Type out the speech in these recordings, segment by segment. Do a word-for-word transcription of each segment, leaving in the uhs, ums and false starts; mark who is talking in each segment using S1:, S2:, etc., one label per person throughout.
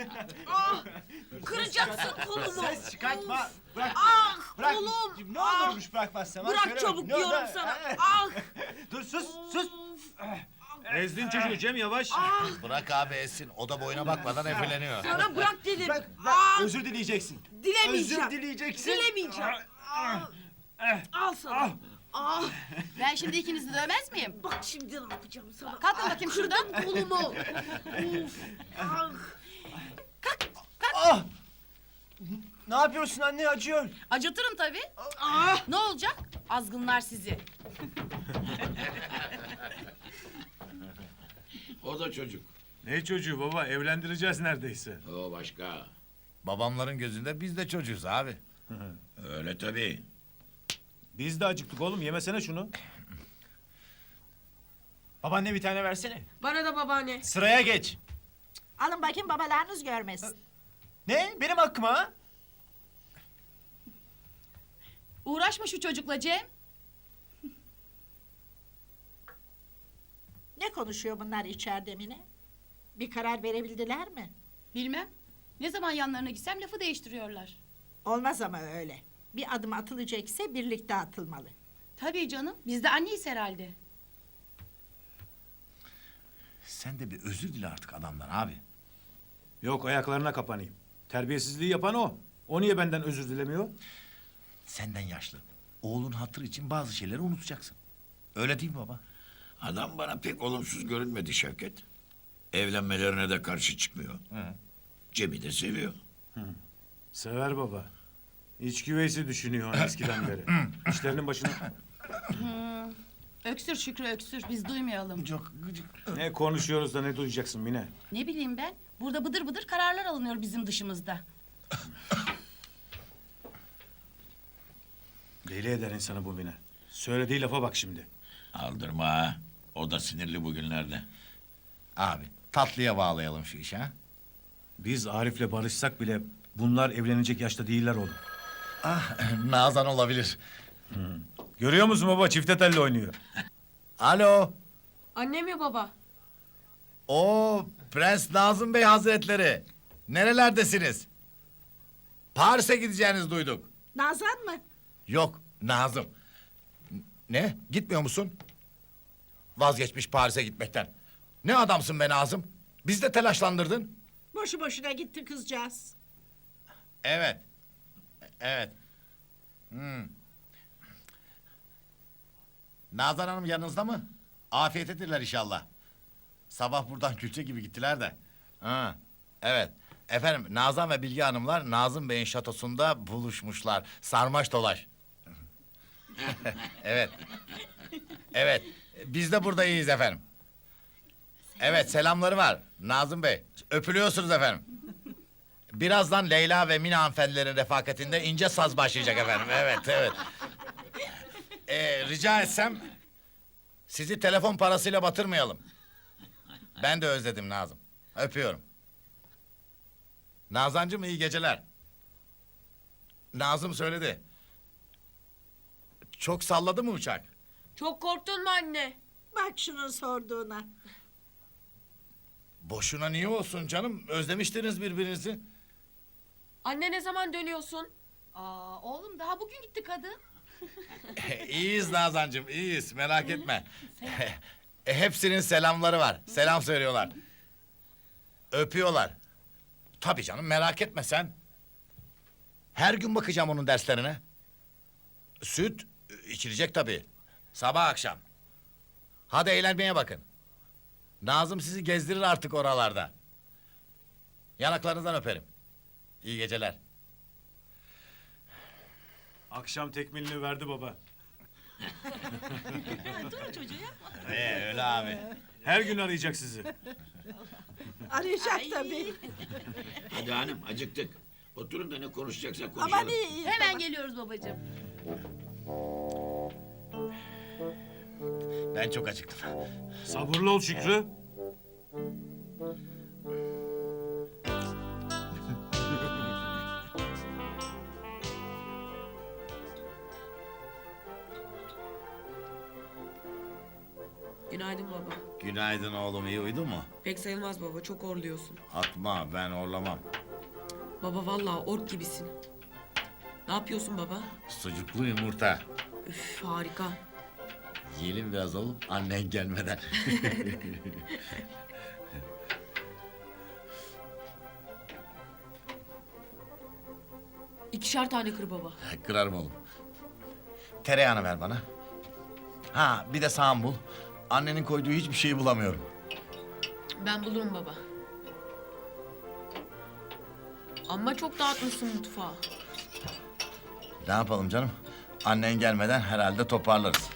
S1: Ah, kıracaksın kolumu.
S2: Ses çıkartma.
S1: Of.
S2: Bırak.
S1: Ah,
S2: Bırak.
S1: kolum.
S2: Ne
S1: Ah.
S2: olurmuş bırakmazsam. ha?
S1: Bırak
S2: Söyle
S1: çabuk
S2: bakayım, ne oldu?
S1: diyorum sana.
S2: Ha?
S1: Ah.
S2: Dur sus sus.
S1: Of.
S3: Ezdin çocuğu Cem yavaş.
S1: Ah,
S4: Bırak abi Esin. O da boyuna bakmadan efeleniyor.
S1: sana bırak dedim.
S2: Bırak, bırak.
S1: Ah,
S2: Özür dileyeceksin.
S1: dilemeyeceğim.
S2: Özür dileyeceksin.
S1: Dilemeyeceğim. Ah. Al sana. Ah,
S5: Ben şimdi ikinizi dövmez miyim?
S1: bak şimdi ne yapacağım sana.
S5: Kalkın bakayım şuradan.
S1: Kırdın kolumu. Of. Ah.
S2: Ah! Ne yapıyorsun anne, acıyor.
S5: Acıtırım tabii.
S1: Ah.
S5: Ne olacak? Azgınlar sizi.
S6: O da çocuk.
S3: Ne çocuğu baba, evlendireceğiz neredeyse.
S6: O başka.
S4: Babamların gözünde biz de çocuğuz abi.
S6: Öyle tabii.
S3: Biz de acıktık oğlum, yemesene şunu.
S2: Babaanne bir tane versene.
S1: Bana da babaanne.
S2: Sıraya geç.
S7: Alın bakayım babalarınız görmesin.
S2: Ne? Benim hakkıma ha?
S5: Uğraşma şu çocukla Cem.
S7: Ne konuşuyor bunlar içeride Mine? Bir karar verebildiler mi?
S5: Bilmem. Ne zaman yanlarına gitsem lafı değiştiriyorlar.
S7: Olmaz ama öyle. Bir adım atılacaksa birlikte atılmalı.
S5: Tabii canım. Biz de anneyiz herhalde.
S4: Sen de bir özür dile artık adamdan abi.
S3: Yok, ayaklarına kapanayım. Terbiyesizliği yapan o. O niye benden özür dilemiyor?
S4: Senden yaşlı. Oğlun hatır için bazı şeyleri unutacaksın. Öyle değil mi baba?
S6: Adam bana pek olumsuz görünmedi Şevket. Evlenmelerine de karşı çıkmıyor.
S4: Hı.
S6: Cem'i de seviyor.
S3: Sever baba. İç güveysi düşünüyor onu eskiden beri. İşlerinin başına...
S5: Öksür Şükrü öksür. Biz duymayalım.
S4: Çok gıcık.
S3: Ne konuşuyoruz da ne duyacaksın Mine?
S5: Ne bileyim ben. Burada bıdır bıdır kararlar alınıyor bizim dışımızda.
S3: Deli eder insanı bu Mine. Söylediği lafa bak şimdi.
S6: Aldırma ha. O da sinirli bugünlerde.
S4: Abi tatlıya bağlayalım şu işi ha.
S3: Biz Arif'le barışsak bile bunlar evlenecek yaşta değiller oğlum.
S4: Ah Nazan olabilir.
S3: Görüyor musun baba, çifte telli oynuyor.
S4: Alo.
S1: Anne mi baba?
S4: O Prens Nazım Bey Hazretleri. Nerelerdesiniz? Paris'e gideceğinizi duyduk.
S7: Nazan mı?
S4: Yok Nazım. N- Ne? Gitmiyor musun? Vazgeçmiş Paris'e gitmekten. Ne adamsın be Nazım? Biz de telaşlandırdın.
S7: Boşu boşuna gitti kızcağız.
S4: Evet. Evet. Hmm. Nazan Hanım yanınızda mı? Afiyet edirler inşallah. Sabah buradan külçe gibi gittiler de. Ha, evet. Efendim Nazan ve Bilge Hanımlar Nazım Bey'in şatosunda buluşmuşlar. Sarmaş dolaş. Evet. Evet. Biz de burada iyiyiz efendim. Evet selamları var Nazım Bey. Öpülüyorsunuz efendim. Birazdan Leyla ve Mine hanımefendilerin refakatinde ince saz başlayacak efendim. Evet, evet. Ee, rica etsem sizi telefon parasıyla batırmayalım. Ben de özledim Nazım. Öpüyorum. Nazancığım iyi geceler. Nazım söyledi. Çok salladı mı uçak?
S1: Çok korktun mu anne?
S7: Bak şunun sorduğuna.
S4: Boşuna niye olsun canım? Özlemiştiniz birbirinizi.
S1: Anne ne zaman dönüyorsun?
S5: Aa, oğlum daha bugün gitti kadın.
S4: İyiyiz Nazancığım, iyiyiz. Merak etme. E, hepsinin selamları var. Selam söylüyorlar. Öpüyorlar. Tabii canım, merak etme sen. Her gün bakacağım onun derslerine. Süt içilecek tabii. Sabah akşam. Hadi eğlenmeye bakın. Nazım sizi gezdirir artık oralarda. Yanaklarınızdan öperim. İyi geceler.
S3: Akşam tekmilini verdi baba.
S5: Durun çocuğu yapma.
S4: Ee, öyle abi.
S3: Her gün arayacak sizi.
S7: Arayacak tabii.
S6: Hadi hanım acıktık. Oturun da ne konuşacaksak
S7: Aman
S6: konuşalım.
S7: iyi iyi.
S5: Hemen geliyoruz babacığım.
S4: Ben çok acıktım.
S3: Sabırlı ol Şükrü.
S1: Günaydın baba.
S4: Günaydın oğlum, iyi uyudun mu?
S1: Pek sayılmaz baba, çok orluyorsun.
S4: Atma, ben orlamam.
S1: Baba vallahi ork gibisin. Ne yapıyorsun baba?
S4: Sucuklu yumurta.
S1: Üf harika.
S4: Yiyelim biraz oğlum, annen gelmeden.
S1: İkişer tane kır baba.
S4: Kırarım oğlum. Tereyağını ver bana. Ha, bir de sağım bul. Annenin koyduğu hiçbir şeyi bulamıyorum.
S1: Ben bulurum baba. Ama çok dağıtmışsın mutfağı.
S4: Ne yapalım canım? Annen gelmeden herhalde toparlarız.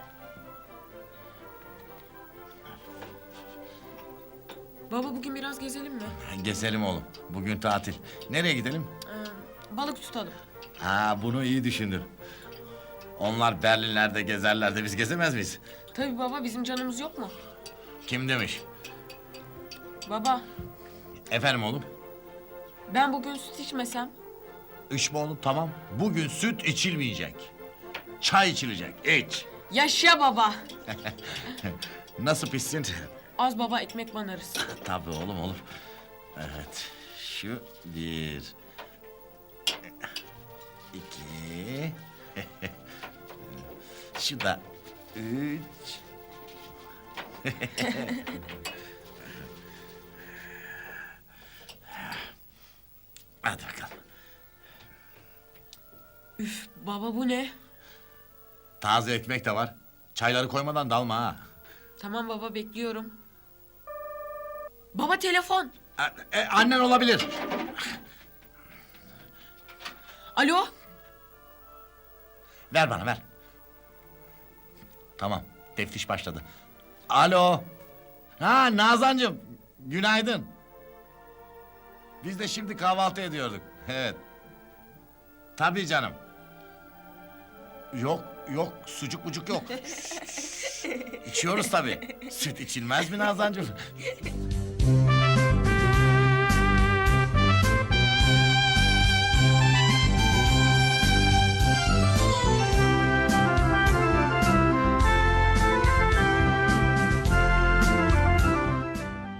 S1: Baba bugün biraz gezelim mi?
S4: Gezelim oğlum. Bugün tatil. Nereye gidelim?
S1: Ee, balık tutalım.
S4: Ha, bunu iyi düşündün. Onlar Berlinler'de gezerler de biz gezemez miyiz?
S1: Tabii baba, bizim canımız yok mu?
S4: Kim demiş?
S1: Baba,
S4: Efendim oğlum?
S1: ben bugün süt içmesem.
S4: İçme oğlum, tamam. Bugün süt içilmeyecek. Çay içilecek. İç.
S1: Yaşa baba.
S4: Nasıl pişsin?
S1: Az baba, ekmek banarız.
S4: Tabii oğlum, olur. Evet. Şu bir. İki. Şu da üç. Hadi bakalım.
S1: Üf baba, bu ne?
S4: Taze ekmek de var. Çayları koymadan dalma ha.
S1: Tamam baba, bekliyorum. Baba telefon.
S4: E, e, annen olabilir.
S1: Alo.
S4: Ver bana, ver. Tamam, teftiş başladı. Alo. Ha, Nazancığım, günaydın. Biz de şimdi kahvaltı ediyorduk. Evet. Tabii canım. Yok, yok, sucuk bucuk yok. İçiyoruz tabii. Süt içilmez mi Nazancığım?